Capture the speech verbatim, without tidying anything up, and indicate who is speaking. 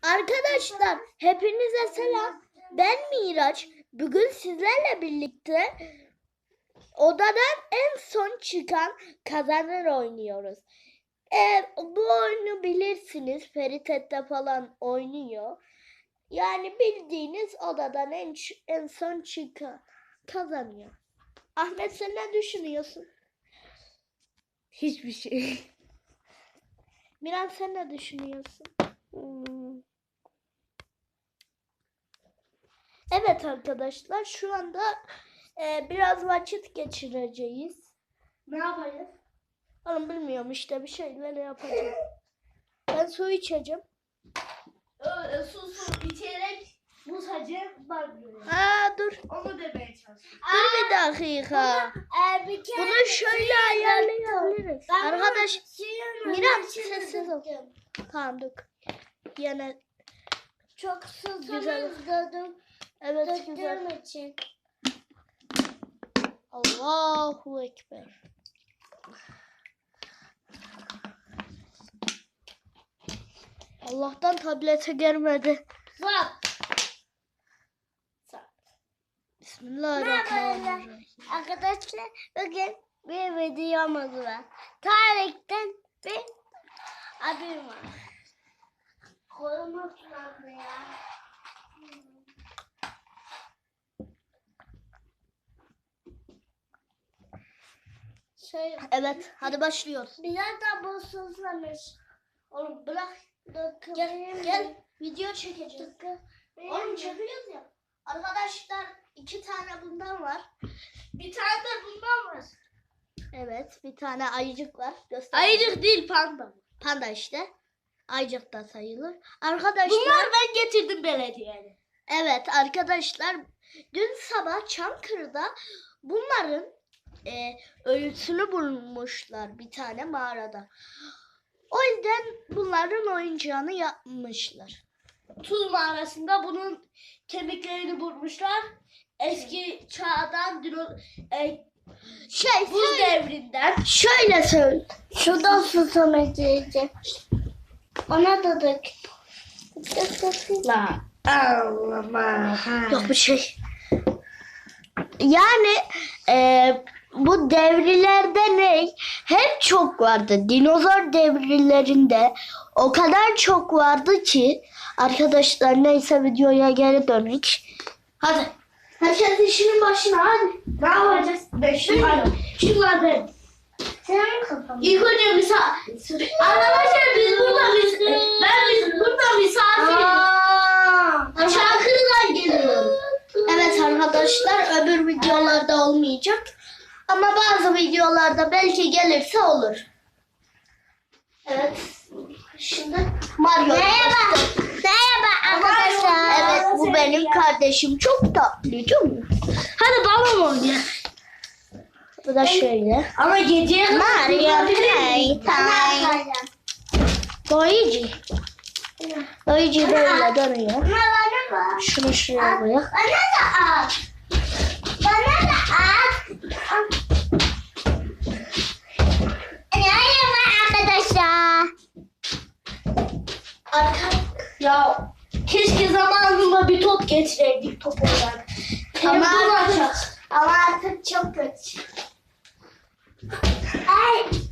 Speaker 1: Arkadaşlar hepinize selam. Ben Miraç. Bugün sizlerle birlikte odadan en son çıkan kazanır oynuyoruz. Eğer bu oyunu bilirsiniz, Ferit Ette falan oynuyor. Yani bildiğiniz odadan en, en son çıkan kazanıyor. Ahmet, sen ne düşünüyorsun? Hiçbir şey. Miran, sen ne düşünüyorsun? Hmm. Evet arkadaşlar, şu anda e, biraz vakit geçireceğiz.
Speaker 2: Ne yapacağız?
Speaker 1: Oğlum bilmiyorum, işte bir şeyler yapacağım. Ben su içeceğim.
Speaker 2: Öyle su su içerek buz hacı var böyle.
Speaker 1: Aa dur.
Speaker 2: Onu demeye çalışıyorum.
Speaker 1: Dur bir dakika.
Speaker 2: Eğer bir kere
Speaker 1: Bunu şöyle ayarlayabiliriz. Arkadaş, Miran sessiz ol. Tamam dur. Yine
Speaker 2: çok
Speaker 1: güzel.
Speaker 2: susamıştım.
Speaker 1: Evet güzel.
Speaker 2: Döktüğüm için.
Speaker 1: Allahu Ekber. Allah'tan tablete gelmedi.
Speaker 2: Bak.
Speaker 1: Bismillahirrahmanirrahim.
Speaker 2: Arkadaşlar bugün bir videomuz var. Tarihten bir abim var. Kolum ıslandı ya. Şöyle.
Speaker 1: Evet, hadi başlıyoruz.
Speaker 2: Biraz da bu susamış.
Speaker 1: Oğlum bırak.
Speaker 2: Dokun.
Speaker 1: Gel, gel. Video çekeceğiz. Oğlum çekiyoruz ya. Arkadaşlar iki tane bundan var.
Speaker 2: Bir tane de bundan var.
Speaker 1: Evet, bir tane ayıcık var. Göster.
Speaker 2: Ayıcık değil, panda.
Speaker 1: Panda işte. Ayıcık da sayılır. Arkadaşlar.
Speaker 2: Bunlar ben getirdim belediyeye.
Speaker 1: Evet arkadaşlar. Dün sabah Çankırı'da bunların e, ölüsünü bulmuşlar bir tane mağarada. O yüzden bunların oyuncağını yapmışlar.
Speaker 2: Tuz mağarasında bunun kemiklerini bulmuşlar. Eski çağdan, dino, e,
Speaker 1: Şey,
Speaker 2: buz
Speaker 1: şöyle,
Speaker 2: devrinden.
Speaker 1: şöyle söyle.
Speaker 2: Şuradan susamak diyecek. Ona da dök.
Speaker 1: La.
Speaker 2: Allah.
Speaker 1: Yok bir şey. Yani e, bu devrilerde ne? Hep çok vardı. Dinozor devrilerinde o kadar çok vardı ki arkadaşlar, neyse videoya geri dönük. Hadi. Herkes işinin başına hadi.
Speaker 2: Ne yapacağız? Beşim var. Şunlardan.
Speaker 1: Senin kafan.
Speaker 2: İlk önce misafir. Arkadaşlar biz burada mis ben biz burada misafiriz. Çankırı'dan geliyorum.
Speaker 1: Evet arkadaşlar, öbür videolarda olmayacak. Ama bazı videolarda belki gelirse olur. Evet. Şimdi Mario.
Speaker 2: Merhaba. Merhaba arkadaşlar.
Speaker 1: Evet, bu benim kardeşim. Çok tatlı değil mi?
Speaker 2: Hadi balon oynayalım.
Speaker 1: Bu da şöyle.
Speaker 2: Ama geceye kadar
Speaker 1: Mario
Speaker 2: Play
Speaker 1: Playtime. Luigi. Luigi böyle dönüyor.
Speaker 2: Bana bak.
Speaker 1: Şunu şuraya koyak.
Speaker 2: Bana da at. Bana da at. Merhaba arkadaşlar.
Speaker 1: Arka.
Speaker 2: Ya keşke zamanında bir top getireydik top olarak.
Speaker 1: Ama
Speaker 2: Ama
Speaker 1: artık,
Speaker 2: artık,
Speaker 1: ama artık çok kötü.
Speaker 2: ay